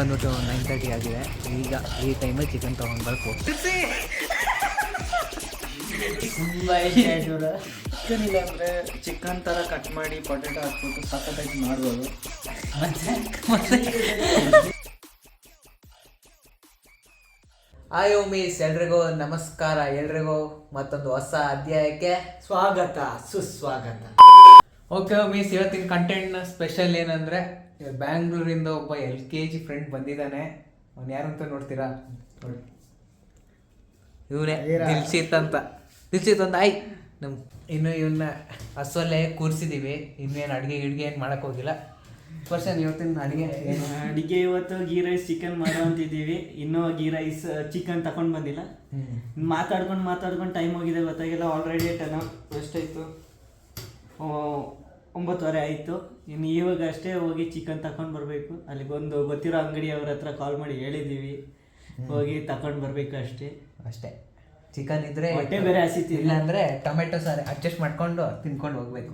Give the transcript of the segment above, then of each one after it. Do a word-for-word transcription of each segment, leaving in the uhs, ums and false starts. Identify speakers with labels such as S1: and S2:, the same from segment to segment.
S1: ಬಂದ್ಬಿಟ್ಟು nine thirty ಆಗಿದೆ. ಈಗ ಈ ಟೈಮಲ್ಲಿ ಚಿಕನ್ ತೊಗೊಂಡು ಬರ್ಬೇಕು.
S2: ತುಂಬ ಚಿಕನ್ ಇಲ್ಲ ಅಂದರೆ ಚಿಕನ್ ಥರ ಕಟ್ ಮಾಡಿ ಪೊಟೆಟೊ ಹಾಕ್ಬಿಟ್ಟು ಸಖತ್ತಾಗಿ ಮಾಡ್ಬೋದು.
S1: ಹಾಯ್ ಮೀಸ್, ಎಲ್ರಿಗೂ ನಮಸ್ಕಾರ. ಎಲ್ರಿಗೂ ಮತ್ತೊಂದು ಹೊಸ ಅಧ್ಯಾಯಕ್ಕೆ
S2: ಸ್ವಾಗತ, ಸುಸ್ವಾಗತ.
S1: ಓಕೆ ಮೀಸ್, ಇವತ್ತಿನ ಕಂಟೆಂಟ್ನ ಸ್ಪೆಷಲ್ ಏನಂದರೆ, ಬ್ಯಾಂಗ್ಳೂರಿಂದ ಒಬ್ಬ ಎಲ್ ಕೆ ಜಿ ಫ್ರೆಂಡ್ ಬಂದಿದ್ದಾನೆ. ಅವ್ನು ಯಾರಂತ ನೋಡ್ತೀರಾ? ಇವನೇ ದಿಲ್ಸಿತ್ ಅಂತ. ದಿಲ್ಸಿತ್ ಅಂತ ಆಯ್ ನಮ್ಮ ಇನ್ನು ಇವನ್ನ ಹಸುವಲ್ಲೇ ಕೂರಿಸಿದ್ದೀವಿ. ಇನ್ನೇನು ಅಡುಗೆ ಗಿಡ್ಗೆ ಏನು ಮಾಡೋಕ್ಕೆ ಹೋಗಿಲ್ಲ. ಪರ್ಸನ್ ಇವತ್ತಿನ ಅಡುಗೆ
S2: ಅಡುಗೆ ಇವತ್ತು ಗೀ ರೈಸ್ ಚಿಕನ್ ಮಾಡೋ ಅಂತಿದ್ದೀವಿ. ಇನ್ನೂ ಗೀ ರೈಸ್ ಚಿಕನ್ ತಗೊಂಡು ಬಂದಿಲ್ಲ. ಮಾತಾಡ್ಕೊಂಡು ಮಾತಾಡ್ಕೊಂಡು ಟೈಮ್ ಹೋಗಿದೆ, ಗೊತ್ತಾಗಿಲ್ಲ. ಆಲ್ರೆಡಿ ಟೆನ್ ಎಷ್ಟಾಯಿತು, ಒಂಬತ್ತುವರೆ ಆಯಿತು. ಇನ್ನು ಇವಾಗ ಅಷ್ಟೇ ಹೋಗಿ ಚಿಕನ್ ತಗೊಂಡು ಬರಬೇಕು. ಅಲ್ಲಿಗೊಂದು ಗೊತ್ತಿರೋ ಅಂಗಡಿಯವ್ರ ಹತ್ರ ಕಾಲ್ ಮಾಡಿ ಹೇಳಿದ್ದೀವಿ, ಹೋಗಿ ತಗೊಂಡು ಬರಬೇಕು ಅಷ್ಟೇ ಅಷ್ಟೇ
S1: ಚಿಕನ್ ಇದ್ರೆ
S2: ಹೊಟ್ಟೆ ಬೇರೆ ಹಸಿತಿ.
S1: ಇಲ್ಲ ಅಂದರೆ ಟೊಮೆಟೊ ಸಾರಿ ಅಡ್ಜಸ್ಟ್ ಮಾಡ್ಕೊಂಡು ತಿನ್ಕೊಂಡು ಹೋಗ್ಬೇಕು.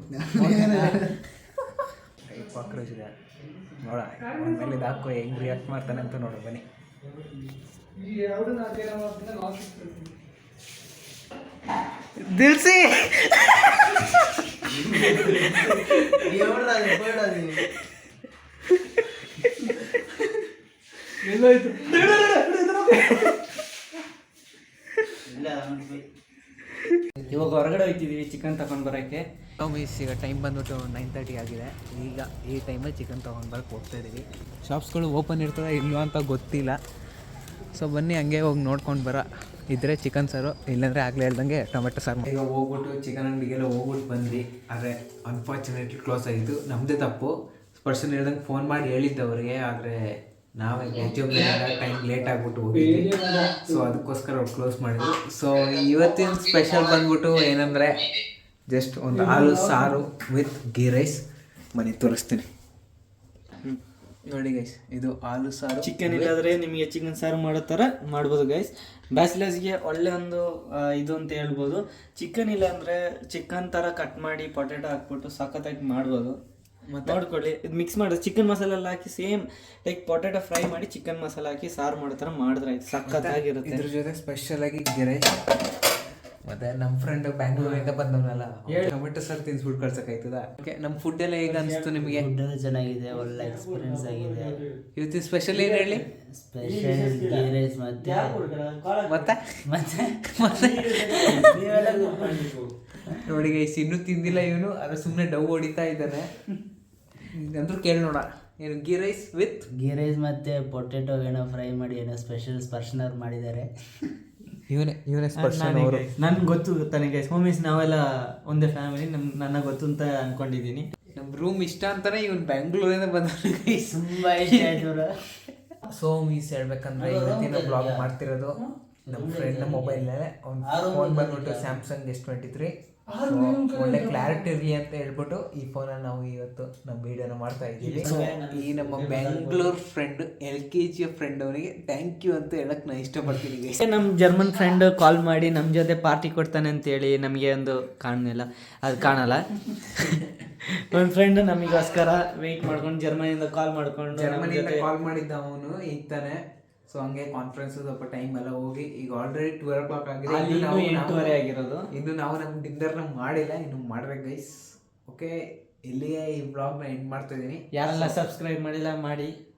S1: ಕಾಕ್ರೋಚ್ ಇದೆ ನೋಡ, ಮೇಲೆ ಹಾಕೋ ಹೆಂಗ್ ರಿಯಾಕ್ಟ್ ಮಾಡ್ತಾನೆ ಅಂತ ನೋಡು. ಬನ್ನಿ. ದಿಲ್ಸಿ ಎಲ್ಲೋಯ್ತು?
S2: ಇವಾಗ ಹೊರಗಡೆ ಹೋಗ್ತಿದ್ದೀವಿ ಚಿಕನ್ ತಗೊಂಡು ಬರೋಕ್ಕೆ.
S1: ಮೀಸ್, ಈಗ ಟೈಮ್ ಬಂದ್ಬಿಟ್ಟು ನೈನ್ ತರ್ಟಿ ಆಗಿದೆ. ಈಗ ಈ ಟೈಮಲ್ಲಿ ಚಿಕನ್ ತೊಗೊಂಡು ಬರೋಕ್ಕೆ ಹೋಗ್ತಾ ಇದ್ದೀವಿ. ಶಾಪ್ಸ್ಗಳು ಓಪನ್ ಇರ್ತದೆ ಇಲ್ವೋ ಅಂತ ಗೊತ್ತಿಲ್ಲ. ಸೊ ಬನ್ನಿ, ಹಂಗೆ ಹೋಗಿ ನೋಡ್ಕೊಂಡು ಬರೋ. ಇದ್ದರೆ ಚಿಕನ್ ಸಾರು, ಇಲ್ಲಾಂದರೆ ಆಗಲೇ ಹೇಳ್ದಂಗೆ ಟೊಮೆಟೊ ಸಾರು. ಈಗ ಹೋಗ್ಬಿಟ್ಟು ಚಿಕನ್ ಅಂಗಡಿಗೆಲ್ಲ ಹೋಗ್ಬಿಟ್ಟು ಬಂದ್ವಿ. ಆದರೆ ಅನ್ಫಾರ್ಚುನೇಟ್ಲಿ ಕ್ಲೋಸ್ ಆಗಿತ್ತು. ನಮ್ಮದೇ ತಪ್ಪು. ಪರ್ಸನ್ ಹೇಳ್ದಂಗೆ ಫೋನ್ ಮಾಡಿ ಹೇಳಿದ್ದವ್ರಿಗೆ, ಆದರೆ ನಾವೇ ವೆಜ್ಜೊಬ್ಬ ಟೈಮ್ ಲೇಟ್ ಆಗಿಬಿಟ್ಟು ಹೋಗಿದ್ವಿ. ಸೊ ಅದಕ್ಕೋಸ್ಕರ ಅವ್ರು ಕ್ಲೋಸ್ ಮಾಡಿದ್ರು. ಸೊ ಇವತ್ತಿನ ಸ್ಪೆಷಲ್ ಬಂದ್ಬಿಟ್ಟು ಏನಂದರೆ, ಜಸ್ಟ್ ಒಂದು ಹಾಲು ಸಾರು ವಿತ್ ಗೀ ರೈಸ್. ಮನೆ ತೋರಿಸ್ತೀನಿ ನೋಡಿ ಗೈಸ್. ಇದು ಹಾಲು ಸಾರು.
S2: ಚಿಕನ್ ಇಲ್ಲಾದರೆ ನಿಮಗೆ ಚಿಕನ್ ಸಾರು ಮಾಡೋ ಥರ ಮಾಡ್ಬೋದು ಗೈಸ್. ಬ್ಯಾಚಲರ್ಸ್ಗೆ ಒಳ್ಳೆ ಒಂದು ಇದು ಅಂತ ಹೇಳ್ಬೋದು. ಚಿಕನ್ ಇಲ್ಲ ಅಂದರೆ ಚಿಕನ್ ಥರ ಕಟ್ ಮಾಡಿ ಪೊಟೆಟೊ ಹಾಕ್ಬಿಟ್ಟು ಸಖತ್ತಾಗಿ ಮಾಡ್ಬೋದು. ಮತ್ತು ನೋಡ್ಕೊಳ್ಳಿ, ಇದು ಮಿಕ್ಸ್ ಮಾಡೋದು ಚಿಕನ್ ಮಸಾಲೆ ಎಲ್ಲ ಹಾಕಿ ಸೇಮ್ ಲೈಕ್ ಪೊಟೆಟೊ ಫ್ರೈ ಮಾಡಿ ಚಿಕನ್ ಮಸಾಲೆ ಹಾಕಿ ಸಾರು ಮಾಡೋ ಥರ ಮಾಡಿದ್ರೆ ಆಯ್ತು, ಸಖತ್ತಾಗಿರುತ್ತೆ.
S1: ಇದ್ರ ಜೊತೆ ಸ್ಪೆಷಲಾಗಿ ಗೀ ರೈಸ್. ಮತ್ತೆ ನಮ್ಮ ಫ್ರೆಂಡ್ ಬ್ಯಾಂಗ್ಳೂರಿಂದ ಬಂದವನಲ್ಲ, ಟೊಮೆಟೊ ಸಾರು ತಿನ್ಸ್ಬಿಟ್ಟು ಕಳ್ಸೋಕ್ಕಾಯ್ತದ? ಓಕೆ, ನಮ್ಮ ಫುಡ್ ಎಲ್ಲ ಹೇಗೆ ಅನಿಸ್ತು ನಿಮಗೆ?
S3: ಫುಡ್ ಚೆನ್ನಾಗಿದೆ, ಒಳ್ಳೆ ಎಕ್ಸ್ಪೀರಿಯನ್ಸ್ ಆಗಿದೆ.
S1: ಇವತ್ತಿನ ಸ್ಪೆಷಲ್ ಏನು ಹೇಳಿ?
S3: ಸ್ಪೆಷಲ್ ಗೀ ರೈಸ್ ಮತ್ತೆ
S1: ಮತ್ತೆ ಮತ್ತೆ ಮತ್ತೆ ನೋಡಿ ಗೈಸ್, ಇನ್ನೂ ತಿಂದಿಲ್ಲ ಇವನು. ಅದ್ರ ಸುಮ್ಮನೆ ಡವ್ ಹೊಡಿತಾ ಇದ್ದಾನೆ. ಅಂದ್ರೂ ಕೇಳಿ ನೋಡ, ಏನು ghee rice with
S3: ghee rice ಮತ್ತೆ ಪೊಟೆಟೊ ಏನೋ ಫ್ರೈ ಮಾಡಿ ಏನೋ ಸ್ಪೆಷಲ್ ಸ್ಪರ್ಶನವ್ರು ಮಾಡಿದ್ದಾರೆ.
S1: ಇವನೇ ಇವನೇ ಸ್ಪರ್ಶನ್ ಅವರು.
S2: ನನ್ಗೆ ಗೊತ್ತು ಗೊತ್ತಾನೆ ಗೈಸ್, ಹೋಮೀಸ್ ನಾವೆಲ್ಲ ಒಂದೇ ಫ್ಯಾಮಿಲಿ. ನಮ್ ನನ್ನ ಗೊತ್ತು ಅಂತ ಅನ್ಕೊಂಡಿದ್ದೀನಿ.
S1: ನಮ್ಮ ರೂಮ್ ಇಷ್ಟ ಅಂತಾನೆ ಇವನು ಬೆಂಗಳೂರಿಂದ ಬಂದ ಗೈಸ್.
S3: ತುಂಬ ಇಷ್ಟ ಆಯ್ತು.
S1: ಸೊ ಮೀಸ್ ಹೇಳ್ಬೇಕಂದ್ರೆ, ಇವತ್ತಿನ ಬ್ಲಾಗ್ ಮಾಡ್ತಿರೋದು ನಮ್ಮ ಫ್ರೆಂಡ್ ಮೊಬೈಲ್ನಲ್ಲೇ. ಅವ್ನು ಫೋನ್ ಬಂದ್ಬಿಟ್ಟು ಸ್ಯಾಮ್ಸಂಗ್ ಎಸ್ ಟ್ವೆಂಟಿ ತ್ರೀ. ಒಳ್ಳೆ ಕ್ಲಾರಿಟಿ ಇರಲಿ ಅಂತ ಹೇಳ್ಬಿಟ್ಟು ಈ ಫೋನಲ್ಲಿ ನಾವು ಇವತ್ತು ನಮ್ಮ ವಿಡಿಯೋನ ಮಾಡ್ತಾ ಇದ್ದೀವಿ. ಸೊ ಈ ನಮ್ಮ ಬೆಂಗಳೂರು ಫ್ರೆಂಡ್, ಎಲ್ ಕೆ ಜಿಯ ಫ್ರೆಂಡ್, ಅವನಿಗೆ ಥ್ಯಾಂಕ್ ಯು ಅಂತ ಹೇಳಕ್ ನಾನು ಇಷ್ಟಪಡ್ತೀನಿ.
S2: ನಮ್ಮ ಜರ್ಮನ್ ಫ್ರೆಂಡ್ ಕಾಲ್ ಮಾಡಿ ನಮ್ಮ ಜೊತೆ ಪಾರ್ಟಿ ಕೊಡ್ತಾನೆ ಅಂತೇಳಿ ನಮಗೆ ಒಂದು ಕಾಣಲಿಲ್ಲ, ಅದು ಕಾಣಲ್ಲ. ಒಂದು ಫ್ರೆಂಡ್ ನಮಗೋಸ್ಕರ ವೆಯ್ಟ್ ಮಾಡ್ಕೊಂಡು ಜರ್ಮನಿಯಿಂದ ಕಾಲ್ ಮಾಡ್ಕೊಂಡು
S1: ಜರ್ಮನಿಯಿಂದ ಕಾಲ್ ಮಾಡಿದ್ದ ಅವನು ಈಗ ತಾನೆ. ಸೊ ಹಂಗೆ ಕಾನ್ಫರೆನ್ಸ್ ಸ್ವಲ್ಪ ಟೈಮ್ ಎಲ್ಲ ಹೋಗಿ ಈಗ ಆಲ್ರೆಡಿ ಟ್ವೆಲ್ ಓ ಕ್ಲಾಕ್ ಆಗಿದೆ.
S2: ಎಂಟೂವರೆ ಆಗಿರೋದು.
S1: ಇನ್ನು ನಾವು ನಮ್ಮ ಡಿನ್ನರ್ನ ಮಾಡಿಲ್ಲ, ಇನ್ನು ಮಾಡ್ಬೇಕು ಗೈಸ್. ಓಕೆ, ಇಲ್ಲಿಗೆ ಈ ಬ್ಲಾಗ್ನ ಎಂಡ್ ಮಾಡ್ತಾ ಇದ್ದೀನಿ.
S2: ಯಾರೆಲ್ಲ ಸಬ್ಸ್ಕ್ರೈಬ್ ಮಾಡಿಲ್ಲ ಮಾಡಿ.